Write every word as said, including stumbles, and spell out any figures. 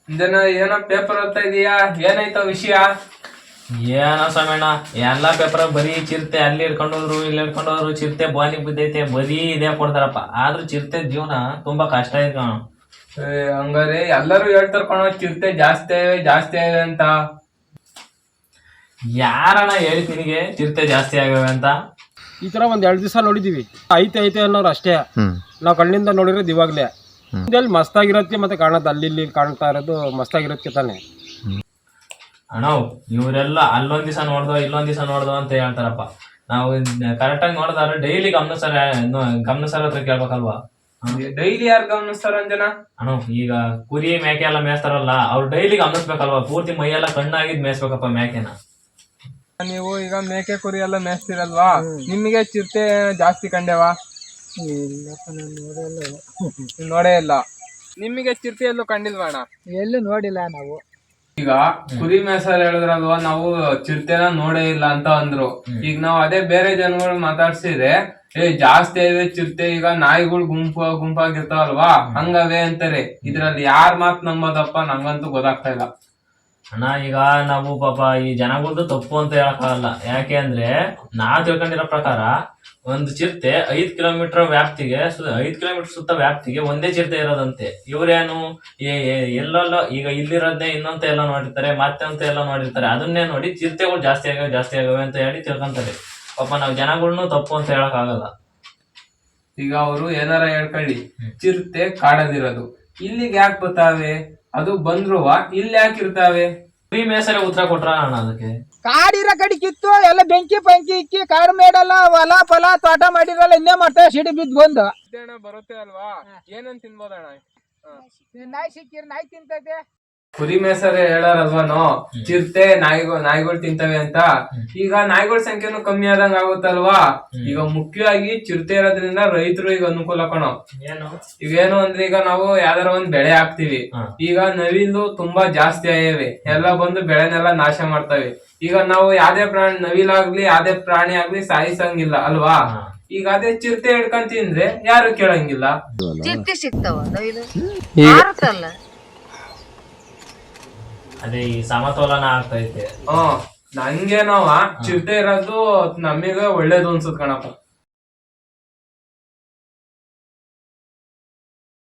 ಇದನ್ನ ಏನೋ ಪೇಪರ್ ಓದ್ತಾ ಇದೀಯಾ, ಏನಾಯ್ತ ವಿಷಯ? ಏನೋ ಸಮಯಣ್ಣ ಎಲ್ಲಾ ಪೇಪರ್ ಬರೀ ಚಿರತೆ ಅಲ್ಲಿ ಹಿಡ್ಕೊಂಡೋದ್ರು ಇಲ್ಲಿ ಹಿಡ್ಕೊಂಡೋದ್ರು ಚಿರತೆ ಬಾನಿಗೆ ಬಿದ್ದೈತೆ ಬರೀ ಇದೇ ಕೊಡ್ತಾರಪ್ಪ. ಆದ್ರೂ ಚಿರತೆ ಜೀವನ ತುಂಬಾ ಕಷ್ಟ ಐತೆ ಕಣ. ಹಂಗಾರೆ ಎಲ್ಲರೂ ಹೇಳ್ತಾರ ಕಣ ಚಿರತೆ ಜಾಸ್ತಿ ಆವೆ ಜಾಸ್ತಿ ಆವೆ ಅಂತ. ಯಾರಣ್ಣ ಹೇಳಿ ನಿನಗೆ ಚಿರತೆ ಜಾಸ್ತಿ ಆಗವೆ ಅಂತ? ಈ ತರ ಒಂದ್ ಎರಡ್ ದಿವಸ ನೋಡಿದೀವಿ, ಐತೆ ಐತೆ ಅನ್ನೋರು ಅಷ್ಟೇ. ನಾವ್ ಕಣ್ಣಿಂದ ನೋಡಿರೋದು ಇವಾಗ್ಲೇ. ಇಲ್ಲಿ ಮಸ್ತಾಗಿರತ್ತೆ ಮತ್ತೆ ಕಾಣತ್ತೆ, ಅಲ್ಲಿ ಇಲ್ಲಿ ಕಾಣ್ತಾ ಇರೋದು ಮಸ್ತಾಗಿರತ್ತೆ ತಾನೆ. ಅಣ್ಣ ಇವರೆಲ್ಲ ಅಲ್ಲೊಂದ್ ದಿವಸ ನೋಡ್ದೋ ಇಲ್ಲೊಂದ್ ದಿವಸ ನೋಡ್ದೋ ಅಂತ ಹೇಳ್ತಾರಪ್ಪ. ನಾವು ಕರೆಕ್ಟಾಗಿ ನೋಡಿದ್ರೆ ಡೈಲಿ ಗಮನಿಸ್ತಾರ ಗಮನಿಸ್ತಾರ ಹತ್ರ ಕೇಳ್ಬೇಕಲ್ವಾ? ಡೈಲಿ ಯಾರು ಗಮನಿಸ್ತಾರ ಅಂಜನ? ಅಣ್ಣ ಈಗ ಕುರಿ ಮೇಕೆ ಎಲ್ಲ ಮೇಯಿಸ್ತಾರಲ್ಲ, ಅವ್ರು ಡೈಲಿ ಗಮನಿಸ್ಬೇಕಲ್ವಾ? ಪೂರ್ತಿ ಮೈಯೆಲ್ಲ ಕಣ್ಣಾಗಿದ್ ಮೇಯಿಸ್ಬೇಕಪ್ಪ ಮೇಕೆನ. ನೀವು ಈಗ ಮೇಕೆ ಕುರಿ ಎಲ್ಲ ಮೇಯಿಸ್ತಿರಲ್ವಾ, ನಿಮಗೆ ಚಿರತೆ ಜಾಸ್ತಿ ಕಂಡೆವಾ? ನೋಡೇ ಇಲ್ಲ. ನಿಮಗೆ ಚಿರತೆ ಎಲ್ಲೂ ಕಂಡಿಲ್ವಾ ಅಣ್ಣ? ಎಲ್ಲೂ ನೋಡಿಲ್ಲ ನಾವು. ಈಗ ಕುರಿ ಮೇಸರ್ ಹೇಳಿದ್ರಲ್ವಾ, ನಾವು ಚಿರತೆನ ನೋಡೇ ಇಲ್ಲ ಅಂತ ಅಂದ್ರು. ಈಗ ನಾವ್ ಅದೇ ಬೇರೆ ಜನಗಳು ಮಾತಾಡ್ಸಿದ್ರೆ ಏ ಜಾಸ್ತಿ ಇದೆ ಚಿರತೆ, ಈಗ ನಾಯಿಗಳು ಗುಂಪು ಗುಂಪಾಗಿರ್ತಾವಲ್ವಾ ಹಂಗವೇ ಅಂತಾರೆ. ಇದ್ರಲ್ಲಿ ಯಾರ್ ಮಾತ್ ನಂಬೋದಪ್ಪ, ನಂಗಂತೂ ಗೊತ್ತಾಗ್ತಾ ಇಲ್ಲ. ಅಣ್ಣ ಈಗ ನಾವು ಪಾಪ ಈ ಜನಗಳದ್ದು ತಪ್ಪು ಅಂತ ಹೇಳಕ್ಕಾಗಲ್ಲ. ಯಾಕೆ ಅಂದ್ರೆ ನಾವ್ ತಿಳ್ಕೊಂಡಿರೋ ಪ್ರಕಾರ ಒಂದು ಚಿರತೆ ಐದ್ ಕಿಲೋಮೀಟರ್ ವ್ಯಾಪ್ತಿಗೆ ಐದ್ ಕಿಲೋಮೀಟರ್ ಸುತ್ತ ವ್ಯಾಪ್ತಿಗೆ ಒಂದೇ ಚಿರತೆ ಇರೋದಂತೆ. ಇವ್ರೇನು ಎಲ್ಲೆಲ್ಲೋ ಈಗ ಇಲ್ಲಿರೋದ್ನೇ ಇನ್ನೊಂತ ಎಲ್ಲ ನೋಡಿರ್ತಾರೆ, ಮತ್ತೆ ಅಂತ ಎಲ್ಲ ನೋಡಿರ್ತಾರೆ. ಅದನ್ನೇ ನೋಡಿ ಚಿರತೆಗಳು ಜಾಸ್ತಿ ಆಗವೆ ಜಾಸ್ತಿ ಆಗವೆ ಅಂತ ಹೇಳಿ ತಿಳ್ಕೊಂತಾರೆ. ಪಾಪ ನಾವ್ ಜನಗಳ್ನು ತಪ್ಪು ಅಂತ ಹೇಳಕ್ ಆಗಲ್ಲ. ಈಗ ಅವರು ಏನಾರ ಹೇಳ್ಕೊಳ್ಳಿ, ಚಿರತೆ ಕಾಡದಿರೋದು ಇಲ್ಲಿಗೆ ಯಾಕೆ ಬರ್ತಾವೆ, ಅದು ಬಂದ್ರುವ ಇಲ್ಲಿ ಯಾಕೆ ಇರ್ತಾವೆ? ಕುರಿ ಮೇಸರೆ ಉತ್ತರ ಕೊಟ್ರ ಅಣ್ಣ ಅದಕ್ಕೆ. ಕಾಡಿರೋ ಕಡೆ ಕಿತ್ತು ಎಲ್ಲ ಬೆಂಕಿ ಬೆಂಕಿ ಇಕ್ಕಿ ಕಾಡು ಮೇಡಲ್ಲ ಹೊಲ ಫಲ ತೋಟ ಮಾಡಿರಲ್ಲ, ಇನ್ನೇ ಮಾಡ್ತಾರೆ ಸಿಡಿ ಬಿದ್ದು ಬಂದು. ಬರುತ್ತೆ ಅಲ್ವಾ, ಏನಂತ ತಿನ್ಬೋದಣ್ಣ? ನಾಯಿ ಸಿಕ್ಕಿರ್ ನಾಯಿ ತಿಂತೈತೆ. ಕುರಿ ಮೇಸರೆ ಹೇಳಾರಲ್ವಾನು ಚಿರತೆ ನಾಯಿಗಳು ನಾಯಿಗಳು ತಿಂತವೆ ಅಂತ. ಈಗ ನಾಯಿಗಳ ಸಂಖ್ಯೆನು ಕಮ್ಮಿ ಆದಂಗ ಆಗುತ್ತಲ್ವಾ. ಈಗ ಮುಖ್ಯವಾಗಿ ಚಿರತೆ ಇರೋದ್ರಿಂದ ರೈತರು ಈಗ ಅನುಕೂಲ ಕಣೋ. ಇವೇನು ಅಂದ್ರೆ ಈಗ ನಾವು ಯಾವ್ದಾರ ಒಂದ್ ಬೆಳೆ ಹಾಕ್ತಿವಿ, ಈಗ ನವಿಲು ತುಂಬಾ ಜಾಸ್ತಿ ಆಯವೆ, ಎಲ್ಲ ಬಂದು ಬೆಳೆನೆಲ್ಲ ನಾಶ ಮಾಡ್ತವೆ. ಈಗ ನಾವು ಯಾವ್ದೇ ಪ್ರಾಣಿ ನವಿಲಾಗ್ಲಿ ಯಾವ್ದೇ ಪ್ರಾಣಿ ಆಗ್ಲಿ ಸಾಯಿಸಂಗಿಲ್ಲ ಅಲ್ವಾ. ಈಗ ಅದೇ ಚಿರತೆ ಹಿಡ್ಕೊಂಡ್ ತಿಂದ್ರೆ ಯಾರು ಕೇಳಂಗಿಲ್ಲ. ಚಿರತೆ ಸಿಗ್ತಾವ ನವಿಲು ಅದೇ ಈ ಸಮತೋಲನ ಆಗ್ತೈತೆ. ಹ್ಮ್ ನಂಗೇನವ ಚಿರತೆ ಇರೋದು ನಮಗೆ ಒಳ್ಳೇದು ಅನ್ಸುತ್ ಕಣಪ್ಪ.